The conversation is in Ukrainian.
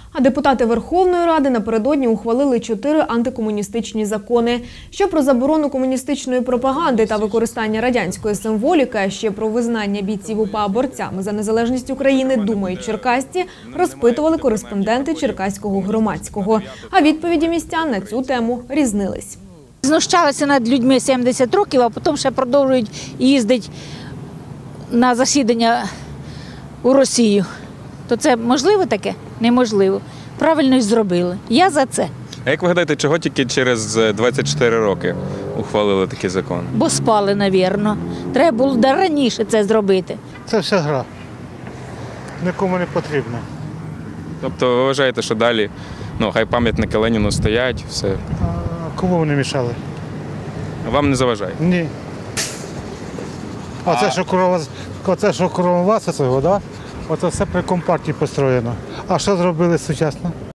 А депутати Верховної Ради напередодні ухвалили 4 антикомуністичні закони. Що про заборону комуністичної пропаганди та використання радянської символіки, а ще про визнання бійців УПА борцями за незалежність України думають черкасці, розпитували кореспонденти Черкаського громадського. А відповіді містян на цю тему різнились. Знущалися над людьми 70 років, а потім ще продовжують їздити на засідання у Росію. То це можливо таке? Неможливо. Правильно й зробили. Я за це. А як ви гадаєте, чого тільки через 24 роки ухвалили такий закон? Бо спали, мабуть. Треба було раніше це зробити. Це все гра. Нікому не потрібно. Тобто ви вважаєте, що далі, хай пам'ятники Леніну стоять, все. А кому вони мішали? Вам не заважає? Ні. Оце, що кругом вас, оце все при компартії построєно. А що зробили сучасно?